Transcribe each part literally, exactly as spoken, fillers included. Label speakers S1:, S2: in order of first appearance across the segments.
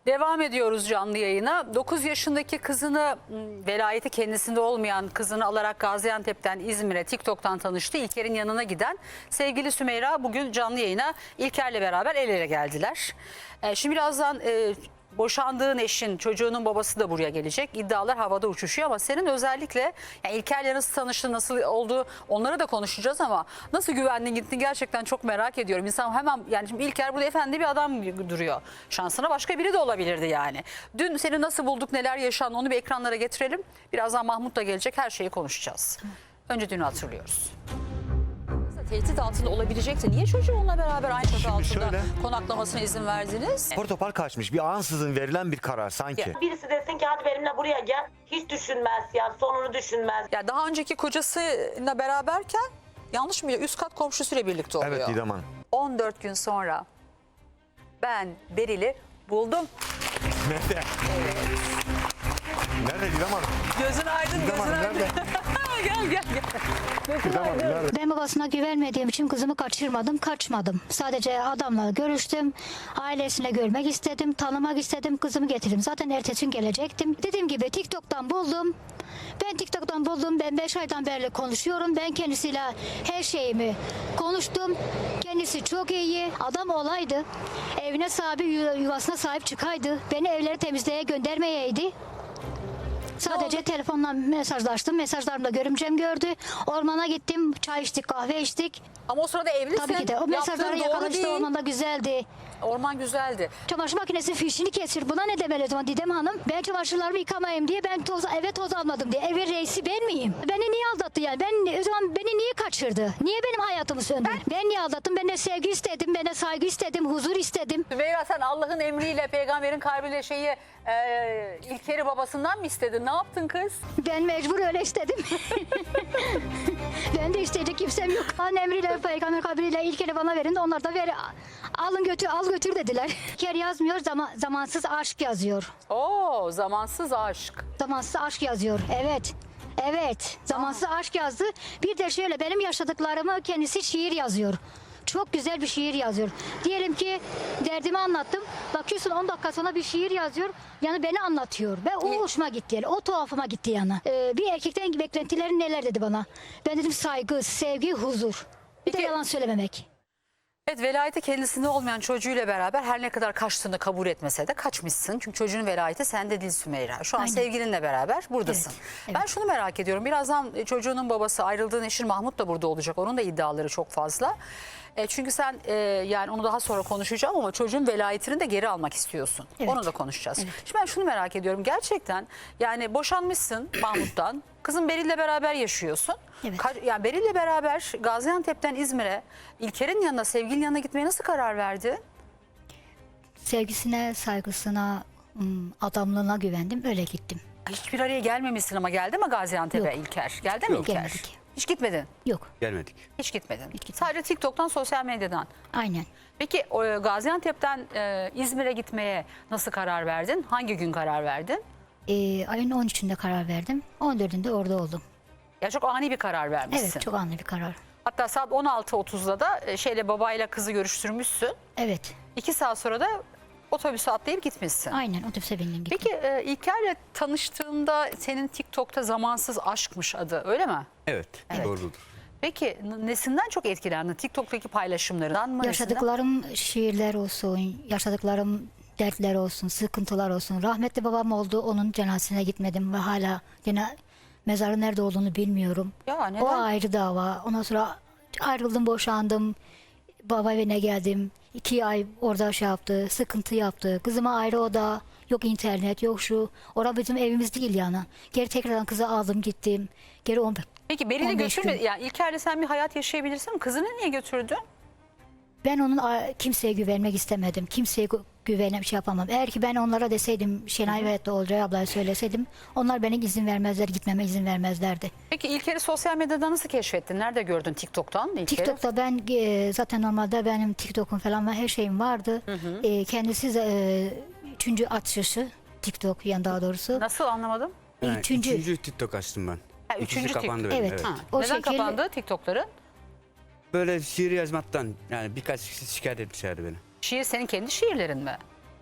S1: Devam ediyoruz canlı yayına. dokuz yaşındaki kızını, velayeti kendisinde olmayan kızını alarak Gaziantep'ten İzmir'e TikTok'tan tanıştı. İlker'in yanına giden sevgili Sümeyra bugün canlı yayına İlker'le beraber el ele geldiler. E, şimdi birazdan e, boşandığın eşin, çocuğunun babası da buraya gelecek. İddialar havada uçuşuyor ama senin özellikle yani İlker'le nasıl tanıştın, nasıl oldu onları da konuşacağız ama nasıl güvendin gittin gerçekten çok merak ediyorum. İnsan hemen yani şimdi İlker burada efendi bir adam duruyor. Şansına başka biri de olabilirdi yani. Dün seni nasıl bulduk, neler yaşandı onu bir ekranlara getirelim. Birazdan Mahmut da gelecek, her şeyi konuşacağız. Önce dünü hatırlıyoruz. Tehdit altında olabilecekti. Niye çocuğu onunla beraber aynı çatı altında
S2: şöyle,
S1: konaklamasına izin verdiniz?
S2: Portopar kaçmış. Bir ansızın verilen bir karar sanki.
S3: Birisi desin ki hadi benimle buraya gel. Hiç düşünmez ya, sonunu düşünmez.
S1: Ya daha önceki kocasıyla beraberken yanlış mı? Üst kat komşusuyla birlikte oluyor.
S2: Evet Didem Hanım.
S1: on dört gün sonra ben Beril'i buldum.
S2: Nerede? Evet. Nerede Didem Hanım?
S1: Gözün aydın,
S2: Didem
S1: gözün
S2: Hanım
S1: aydın.
S2: nerede?
S1: Gel gel gel.
S2: Didem Hanım nerede?
S4: Ben babasına güvenmediğim için kızımı kaçırmadım, kaçmadım. Sadece adamla görüştüm, ailesine görmek istedim, tanımak istedim, kızımı getirdim. Zaten ertesi gün gelecektim. Dediğim gibi TikTok'tan buldum. Ben TikTok'tan buldum, ben beş aydan beri konuşuyorum. Ben kendisiyle her şeyimi konuştum. Kendisi çok iyi, adam olaydı. Evine sahibi, yuvasına sahip çıkaydı. Beni evleri temizliğe göndermeyeydi. Sadece telefonla mesajlaştım. Mesajlarımda görümcem gördü. Ormana gittim. Çay içtik, kahve içtik.
S1: Ama o sırada evlisin.
S4: Tabii ki de. O mesajları
S1: Yaptığın doğru
S4: yakalamıştı.
S1: değil.
S4: Ormanda güzeldi.
S1: Orman güzeldi.
S4: Çamaşır makinesi fişini kesir. Buna ne demeli o zaman Didem Hanım? Ben çamaşırlarımı yıkamayayım diye ben toz, eve toz almadım diye. Evin reisi ben miyim? Beni niye aldattı yani? Ben o zaman beni niye kaçırdı? Niye benim hayatımı söndü? Ben, ben niye aldattım? Ben de sevgi istedim. Ben de saygı istedim. Huzur istedim.
S1: Sümeyra sen Allah'ın emriyle, peygamberin kalbiyle şeyi e, İlker'i babasından mı istedin? Ne yaptın kız?
S4: Ben mecbur öyle istedim. Ben de isteyecek kimsem yok. Allah'ın emriyle, peygamber kabriyle İlker'i bana verin de onlar da ver. Alın götür, al götür dediler. İlker yazmıyor, zaman, zamansız aşk yazıyor.
S1: Oo, zamansız aşk.
S4: Zamansız aşk yazıyor, evet. Evet, zamansız aşk yazdı. Bir de şöyle benim yaşadıklarımı kendisi şiir yazıyor. Çok güzel bir şiir yazıyor. Diyelim ki derdimi anlattım. Bakıyorsun on dakika sonra bir şiir yazıyor. Yani beni anlatıyor. Ve o hoşuma gitti yani. O tuhafıma gitti yani. Ee, bir erkekten beklentilerin neler dedi bana. Ben dedim saygı, sevgi, huzur. Bir de
S1: Peki-
S4: yalan söylememek.
S1: Evet, velayeti kendisinde olmayan çocuğuyla beraber her ne kadar kaçtığını kabul etmese de kaçmışsın. Çünkü çocuğun velayeti sende değil Sümeyra. Şu an
S4: Aynen.
S1: sevgilinle beraber buradasın.
S4: Evet, evet.
S1: Ben şunu merak ediyorum. Birazdan çocuğunun babası, ayrıldığın eşin Mahmut da burada olacak. Onun da iddiaları çok fazla. E, çünkü sen e, yani onu daha sonra konuşacağım ama çocuğun velayetini de geri almak istiyorsun.
S4: Evet.
S1: Onu da konuşacağız.
S4: Evet.
S1: Şimdi ben şunu merak ediyorum. Gerçekten yani boşanmışsın Mahmut'tan. Kızın Beril'le beraber yaşıyorsun.
S4: Evet.
S1: Ka- yani Beril'le beraber Gaziantep'ten İzmir'e İlker'in yanına, sevgilinin yanına gitmeye nasıl karar verdi?
S4: Sevgisine, saygısına, ım, adamlığına güvendim. Öyle gittim.
S1: Hiçbir araya gelmemişsin ama geldi mi Gaziantep'e
S4: Yok.
S1: İlker? Geldi mi
S4: Yok,
S1: İlker?
S4: gelmedik.
S1: Hiç gitmedin.
S4: Yok,
S2: Gelmedik.
S1: Hiç gitmedin.
S4: gitmedim.
S1: Sadece TikTok'tan, sosyal medyadan.
S4: aynen.
S1: Peki o, e, Gaziantep'ten e, İzmir'e gitmeye nasıl karar verdin? Hangi gün karar verdin?
S4: Ee, ayın on üçünde karar verdim. on dördünde orada oldum.
S1: Ya çok ani bir karar vermişsin.
S4: Evet, çok anlı bir karar.
S1: Hatta saat on altı otuzda da e, şeyle babayla kızı görüştürmüşsün.
S4: Evet,
S1: İki saat sonra da otobüse atlayıp gitmişsin.
S4: aynen otobüse bindim gittim.
S1: Peki e, İlker'le tanıştığında senin TikTok'ta zamansız aşkmış adı, öyle mi?
S5: Evet,
S1: Evet.
S5: doğrudur.
S1: Peki n- nesinden çok etkilendin? TikTok'taki paylaşımlarından mı? nesinden?
S4: Yaşadıklarım şiirler olsun, yaşadıklarım dertler olsun, sıkıntılar olsun. Rahmetli babam oldu, onun cenazesine gitmedim ve hala yine mezarı nerede olduğunu bilmiyorum.
S1: Ya neden?
S4: O ayrı dava. Ondan sonra ayrıldım, boşandım. Baba evine geldim. İki ay orada şey yaptı, sıkıntı yaptı. Kızıma ayrı oda, yok internet, yok şu. Orada bizim evimiz değil yani. Geri tekrardan kızı aldım gittim. Geri on
S1: Peki Beril'i
S4: on beş
S1: götürme.
S4: gün.
S1: Yani İlker'le sen bir hayat yaşayabilirsin. Kızını niye götürdün?
S4: Ben onun a- kimseye güvenmek istemedim. Kimseye gü- güvenem şey yapamam. Eğer ki ben onlara deseydim, Şenay ve Olcay ablaya söyleseydim, onlar bana izin vermezler, gitmeme izin vermezlerdi.
S1: Peki İlker'i sosyal medyada nasıl keşfettin? Nerede gördün TikTok'tan İlker'i?
S4: TikTok'ta ben e, zaten normalde benim TikTok'um falan var, her şeyim vardı. E, kendisi de, e, üçüncü açışı TikTok yani daha doğrusu.
S1: Nasıl, anlamadım?
S5: Yani
S4: Üçüncü.
S5: üçüncü TikTok açtım ben.
S1: Ha,
S5: İkisi
S1: üçüncü
S5: kapandı
S1: TikTok.
S5: benim,
S4: Evet.
S5: evet.
S1: Ha.
S4: O
S1: Neden
S4: şekil-
S1: kapandı TikTok'ların?
S5: Böyle şiir yazmaktan yani birkaç kişi şikayet etmişlerdi beni.
S1: Şiir senin kendi şiirlerin mi?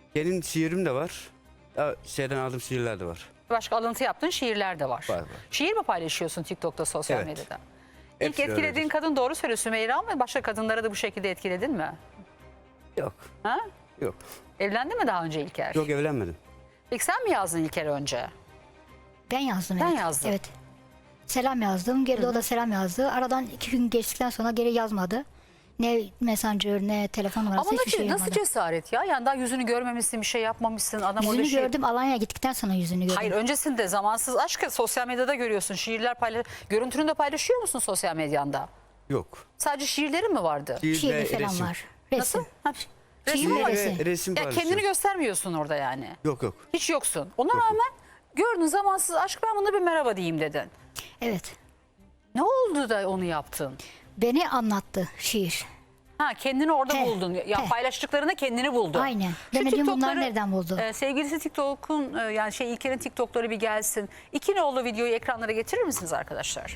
S5: Benim şiirim de var. Ya, şeyden aldığım şiirler de var.
S1: Başka alıntı yaptığın şiirler de var.
S5: Var, var.
S1: Şiir mi paylaşıyorsun TikTok'ta, sosyal
S5: Evet.
S1: medyada? İlk
S5: Hepsi
S1: etkilediğin
S5: öyledir.
S1: kadın doğru söylüyor Sümeyra mı? Başka kadınları da bu şekilde etkiledin mi?
S5: Yok.
S1: Ha?
S5: Yok.
S1: Evlendin mi daha önce İlker?
S5: Yok, evlenmedim.
S1: İlk sen mi yazdın İlker önce?
S4: Ben yazdım.
S1: Ben
S4: evet.
S1: yazdım.
S4: Evet. Selam yazdım. Geri de o da selam yazdı. Aradan iki gün geçtikten sonra geri yazmadı. Ne messenger ne telefon numarası
S1: Ama
S4: hiçbir
S1: nasıl,
S4: şey
S1: nasıl
S4: yapmadı.
S1: cesaret ya? Yani daha yüzünü görmemişsin, bir şey yapmamışsın. Adam orada
S4: Yüzünü
S1: şey...
S4: gördüm. Alanya'ya gittikten sonra yüzünü gördüm.
S1: Hayır, öncesinde zamansız aşkı sosyal medyada görüyorsun. Şiirler paylaş... Görüntünü de paylaşıyor musun sosyal medyanda?
S5: Yok.
S1: Sadece şiirlerin mi vardı?
S5: Şiir
S4: Şiiri
S5: ve
S4: falan
S5: resim.
S4: var. Resim.
S1: Nasıl? Ha,
S4: Şiir
S1: resim
S4: ve
S1: var.
S4: resim.
S5: Ve resim
S1: Ya
S5: paylaşıyorum.
S1: kendini göstermiyorsun orada yani.
S5: Yok yok.
S1: Hiç yoksun. Ona rağmen gördün zamansız aşk, ben buna bir merhaba diyeyim dedin.
S4: Evet.
S1: Ne oldu da onu yaptın?
S4: Beni anlattı şiir.
S1: Ha, kendini orada
S4: He,
S1: buldun. Ya
S4: he.
S1: paylaştıklarında kendini buldun.
S4: Aynen.
S1: Şu
S4: Demedim bunlar
S1: TikTok'ları,
S4: nereden buldu?
S1: e, sevgilisi TikTok'un e, yani şey İlker'in TikTok'ları bir gelsin. İki nolu videoyu ekranlara getirir misiniz arkadaşlar?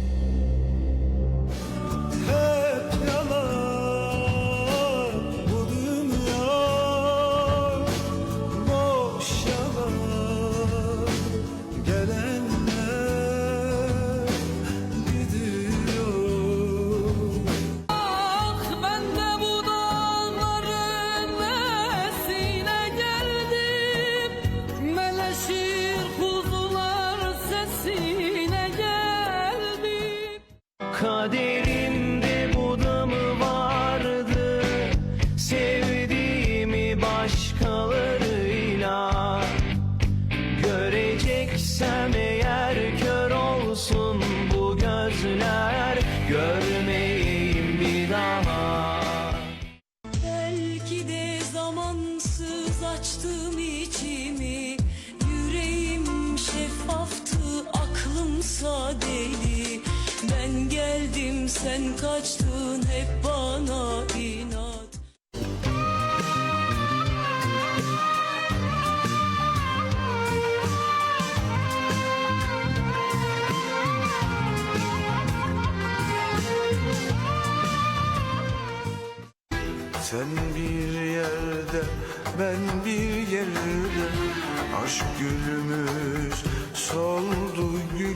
S6: Hep yalan bu dünya, boş yalan. Gelenler gidiyor.
S7: Ah, ben de bu dağların nesine geldim, meleşir kuzular sesine geldim.
S6: Kaderimde bu da mı vardı, sevdiğimi başkalarıyla. Göreceksem eğer kör olsun bu gözler, görmeyeyim bir daha.
S7: Belki de zamansız açtım içimi, yüreğim şeffaftı, aklımsa deli. Ben geldim, sen kaçtın, hep bana inat.
S6: Sen bir yerde, ben bir yerde, aşk gülümüz soldu gül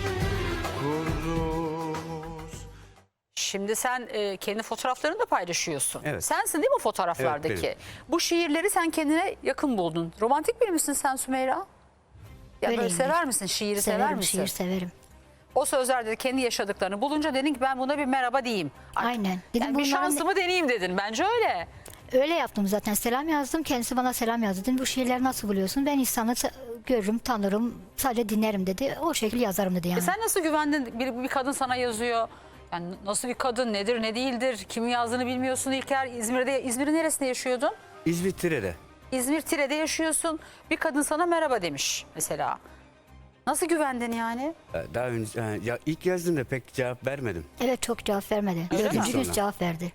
S6: kurdumuz.
S1: Şimdi sen e, kendi fotoğraflarını da paylaşıyorsun.
S5: Evet.
S1: Sensin değil mi fotoğraflardaki?
S5: Evet, benim.
S1: Bu şiirleri sen kendine yakın buldun. Romantik biri misin sen Sümeyra? Ya böyle
S4: Öyleyimdir.
S1: sever misin? Şiiri sever
S4: Severim
S1: misin?
S4: şiir severim.
S1: O sözlerde de kendi yaşadıklarını bulunca dedin ki ben buna bir merhaba diyeyim. Artık-
S4: Aynen. Dedim
S1: Yani bir
S4: bunların-
S1: şansımı deneyeyim dedin. Bence öyle.
S4: Öyle yaptım zaten. Selam yazdım. Kendisi bana selam yazdı. Dedim bu şiirleri nasıl buluyorsun? Ben insanı sa- görürüm, tanırım. Sadece dinlerim dedi. O şekilde yazarım dedi yani.
S1: E sen nasıl güvendin? Bir, bir kadın sana yazıyor. Yani nasıl bir kadın, nedir, ne değildir? Kimin yazdığını bilmiyorsun İlker. İzmir'de, İzmir'in neresinde yaşıyordun?
S5: İzmir Tire'de.
S1: İzmir Tire'de yaşıyorsun. Bir kadın sana merhaba demiş mesela. Nasıl güvendin yani?
S5: Ya, Daha önce yani, ya ilk yazdığımda pek cevap vermedim.
S4: Evet çok cevap vermedi.
S1: Öyle mi?
S4: Dördüncü gün
S5: Sonra.
S4: cevap verdi.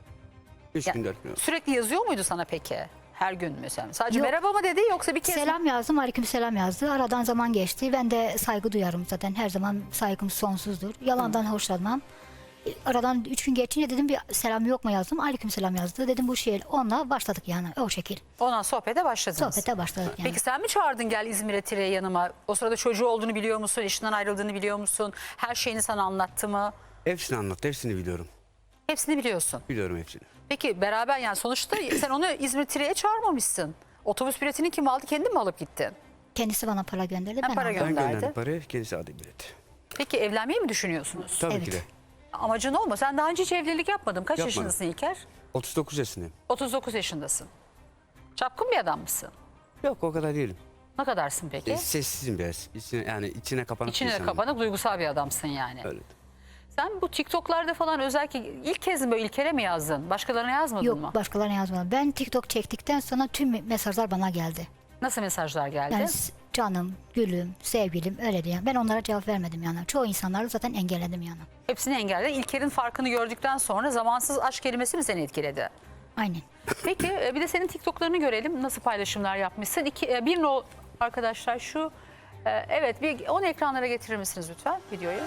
S5: Üç
S1: Ya,
S5: gün dört gün.
S1: sürekli yazıyor muydu sana peki? Her gün mesela. Sadece
S4: Yok.
S1: merhaba mı dedi yoksa bir kez mi?
S4: Selam yazdım, aleyküm selam yazdı. Aradan zaman geçti. Ben de saygı duyarım zaten. Her zaman saygım sonsuzdur. Yalandan hoşlanmam. Aradan üç gün geçince dedim bir selam yok mu yazdım. Aleyküm selam yazdı. Dedim bu şiir. Onunla başladık yani o şekil.
S1: Ondan sohbete başladınız.
S4: Sohbete başladık yani.
S1: Peki sen mi çağırdın gel İzmir'e Tire'ye yanıma? O sırada çocuğu olduğunu biliyor musun? Eşinden ayrıldığını biliyor musun? Her şeyini sana anlattı mı?
S5: Hepsini anlattı. Hepsini biliyorum.
S1: Hepsini biliyorsun.
S5: Biliyorum hepsini.
S1: Peki beraber yani sonuçta sen onu İzmir Tire'ye çağırmamışsın. Otobüs biletini kim aldı? Kendin mi alıp gittin?
S4: Kendisi bana para gönderdi.
S1: Ha,
S4: Ben
S1: para
S4: aldım.
S1: gö-
S5: Ben
S1: Gönderdi.
S5: gönderdim parayı. Kendisi aldı bileti.
S1: Peki evlenmeyi mi düşünüyorsunuz?
S5: Tabii
S4: Evet.
S5: ki de.
S1: Amacın o mu? Sen daha önce hiç evlilik yapmadın. Kaç
S5: Yapmadım.
S1: yaşındasın İlker?
S5: otuz dokuz yaşındayım.
S1: otuz dokuz yaşındasın. Çapkın bir adam mısın?
S5: Yok o kadar değilim.
S1: Ne kadarsın peki?
S5: E, sessizim biraz. İçine, yani içine kapanık bir
S1: İçine
S5: insanım.
S1: kapanık duygusal bir adamsın yani.
S5: Öyle.
S1: Sen bu TikTok'larda falan özellikle ilk kez mi böyle İlker'e mi yazdın? Başkalarına yazmadın
S4: Yok
S1: mı?
S4: başkalarına yazmadım. Ben TikTok çektikten sonra tüm mesajlar bana geldi.
S1: Nasıl mesajlar geldi?
S4: Yani s- canım, gülüm, sevgilim öyle diye. Ben onlara cevap vermedim yani. Çoğu insanları zaten engelledim yani.
S1: Hepsini engelledin. İlker'in farkını gördükten sonra zamansız aşk kelimesi mi seni etkiledi?
S4: Aynen.
S1: Peki e, bir de senin TikTok'larını görelim. Nasıl paylaşımlar yapmışsın? İki, e, bir no arkadaşlar şu. e, Evet bir onu ekranlara getirir misiniz lütfen videoyu?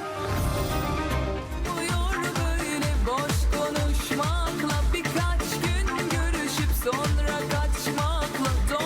S7: Uyuyor böyle boş konuşmakla, birkaç gün görüşüp sonra kaçmakla.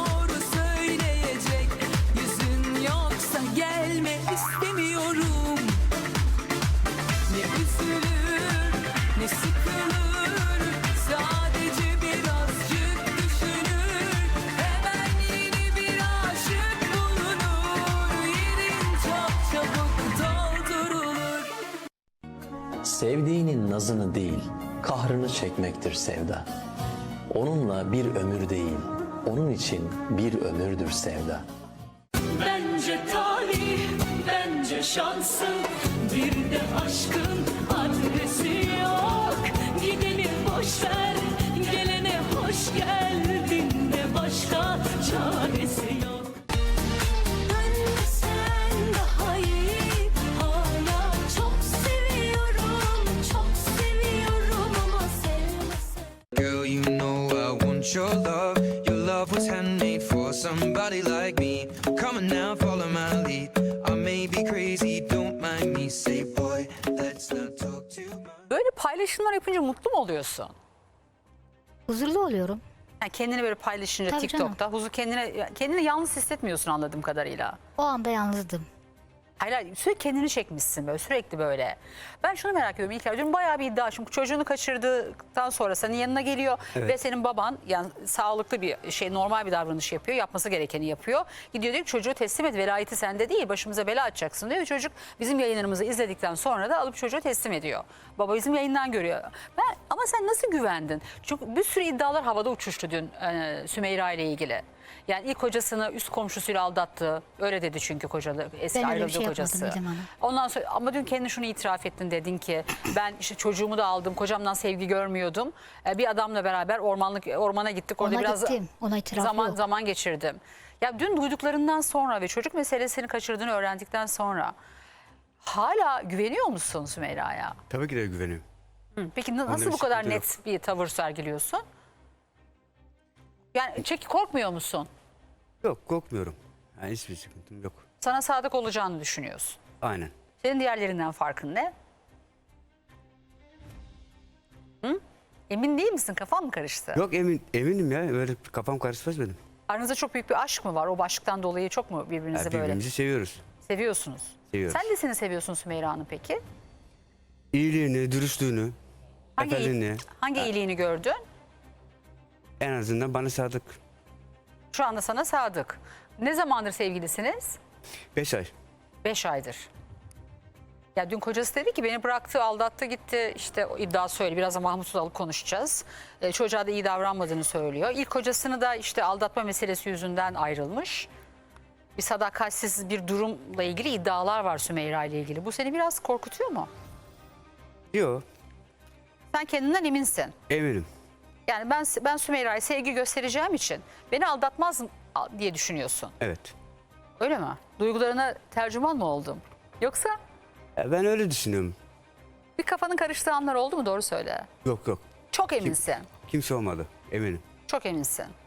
S8: Sevdiğinin nazını değil, kahrını çekmektir sevda. Onunla bir ömür değil, onun için bir ömürdür sevda.
S7: Bence talih, bence şansın, bir de aşkın adresi yok. Gideni boş ver, gelene hoş geldin de başka çaresi yok. Ben sen daha iyi, hala çok seviyorum, çok seviyorum ama sevmesen.
S6: Girl, you know I want your love. Your love was handmade for somebody like me. Come on now, follow my lead. I may be crazy, don't mind me. Say boy, let's not talk too much.
S1: Böyle paylaşımlar yapınca mutlu mu oluyorsun?
S4: Huzurlu oluyorum.
S1: Yani kendini böyle paylaşınca
S4: Tabii
S1: TikTok'ta huzur kendine kendini yalnız hissetmiyorsun anladığım kadarıyla.
S4: O anda yalnızdım.
S1: Hayır, hayır, sürekli kendini çekmişsin böyle sürekli böyle. Ben şunu merak ediyorum İlker, dün bayağı bir iddia. Çünkü çocuğunu kaçırdıktan sonra senin yanına geliyor
S5: Evet.
S1: ve senin baban yani sağlıklı bir şey, normal bir davranış yapıyor. Yapması gerekeni yapıyor. Gidiyor diyor ki çocuğu teslim et, velayeti sende değil, başımıza bela açacaksın diyor. Ve çocuk bizim yayınlarımızı izledikten sonra da alıp çocuğu teslim ediyor. Baba bizim yayından görüyor. Ben, ama sen nasıl güvendin? Çünkü bir sürü iddialar havada uçuştu dün e, Sümeyra ile ilgili. Yani ilk kocasını üst komşusuyla aldattı. Öyle dedi çünkü kocalı, eski
S4: Ben öyle bir
S1: ayrıldığı
S4: şey
S1: kocası.
S4: yapmadım Didem Hanım.
S1: Ondan sonra ama dün kendin şunu itiraf ettin, dedin ki ben işte çocuğumu da aldım, kocamdan sevgi görmüyordum. Ee, bir adamla beraber ormanlık ormana gittik. Orada
S4: Ona
S1: biraz
S4: gittim. Ona itiraf
S1: zaman
S4: yok.
S1: zaman geçirdim. Ya dün duyduklarından sonra ve çocuk meselesini kaçırdığını öğrendikten sonra hala güveniyor musun Sümeyra'ya?
S5: Tabii ki de güveniyorum.
S1: Hı, Peki na-
S5: Onda
S1: nasıl
S5: bir
S1: bu kadar
S5: sıkıntı
S1: net bir tavır sergiliyorsun? Yani çeki korkmuyor musun?
S5: Yok, korkmuyorum. Yani hiçbir sıkıntım yok.
S1: Sana sadık olacağını düşünüyorsun.
S5: Aynen.
S1: Senin diğerlerinden farkın ne? Hı? Emin değil misin? Kafan mı karıştı?
S5: Yok, emin eminim ya. Öyle kafam karışmaz benim.
S1: Aranızda çok büyük bir aşk mı var? O aşktan dolayı çok mu birbirinizi
S5: Yani
S1: böyle
S5: birbirimizi seviyoruz.
S1: seviyorsunuz?
S5: Seviyoruz.
S1: Sen nesini seviyorsun Sümeyra'nın peki?
S5: İyiliğini, dürüstlüğünü,
S1: Hangi,
S5: efendiliğini.
S1: hangi iyiliğini gördün?
S5: En azından bana sadık.
S1: Şu anda sana sadık. Ne zamandır sevgilisiniz?
S5: Beş ay.
S1: Beş aydır. Ya dün kocası dedi ki beni bıraktı, aldattı gitti. İşte o iddia söyle. Biraz da Mahmut'u da alıp konuşacağız. Ee, çocuğa da iyi davranmadığını söylüyor. İlk kocasını da işte aldatma meselesi yüzünden ayrılmış. Bir sadakatsiz bir durumla ilgili iddialar var Sümeyra ile ilgili. Bu seni biraz korkutuyor mu?
S5: Yok,
S1: Sen kendinden eminsin.
S5: eminim.
S1: Yani ben ben Sümeyra'ya sevgi göstereceğim için beni aldatmaz mı diye düşünüyorsun.
S5: Evet.
S1: Öyle mi? Duygularına tercüman mı oldum? Yoksa
S5: Ya ben öyle düşünüyorum.
S1: bir kafanın karıştığı anlar oldu mu? Doğru söyle.
S5: Yok yok.
S1: Çok eminsin.
S5: Kimse olmadı. Eminim.
S1: Çok eminsin.